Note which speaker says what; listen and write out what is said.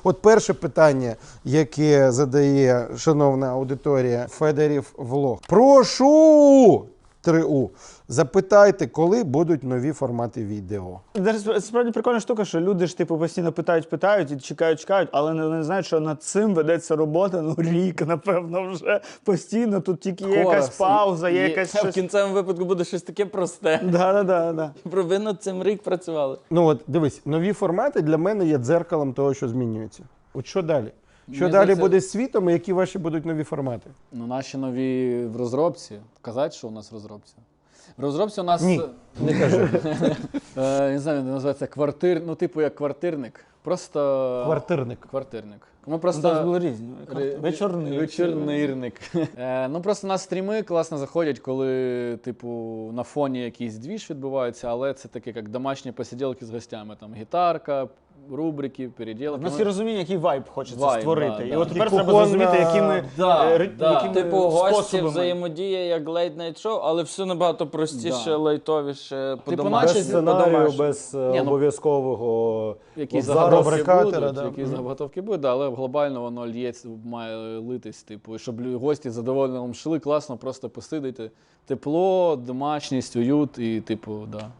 Speaker 1: От перше питання, яке задає шановна аудиторія Федорів Влог. Прошу! 3У. Запитайте, коли будуть нові формати відео.
Speaker 2: Це справді прикольна штука, що люди ж типу постійно питають і чекають, але не знають, що над цим ведеться робота, рік, напевно, вже постійно. Тут тільки є якась пауза, є якась щось.
Speaker 3: В кінцевому випадку буде щось таке просте.
Speaker 2: Да.
Speaker 3: Ви над цим рік працювали.
Speaker 1: Ну от, дивись, нові формати для мене є дзеркалом того, що змінюється. От що далі? Що далі буде з світом і які ваші будуть нові формати?
Speaker 4: Ну, наші нові в розробці. Казати, що у нас в розробці? В розробці у нас...
Speaker 1: Ні, не кажи.
Speaker 4: Не знаю, він називається ну, типу як квартирник. Просто...
Speaker 1: Квартирник.
Speaker 4: Ми просто...
Speaker 2: У нас були різні.
Speaker 4: Вечорнирник. Ну, просто у нас стріми класно заходять, коли, типу, на фоні якийсь двіж відбувається, але це таке, як домашні посиділки з гостями. Там гітарка, рубрики, переділки.
Speaker 2: У нас є розуміння, який вайб хочеться створити.
Speaker 4: Да,
Speaker 2: і от тепер треба зрозуміти, якими
Speaker 3: Типу гості,
Speaker 2: способами.
Speaker 3: взаємодія, як лейт-найт шоу, але все набагато простіше, лайтовіше,
Speaker 4: Типу,
Speaker 3: по-домашньому.
Speaker 5: Без сценарію, без обов'язкового
Speaker 4: якісь
Speaker 5: заготовки
Speaker 4: заготовки будуть, але глобально воно лється, має литись, типу, щоб гості задоволено йшли, класно просто посидити. Тепло, домашність, уют і, типу, да.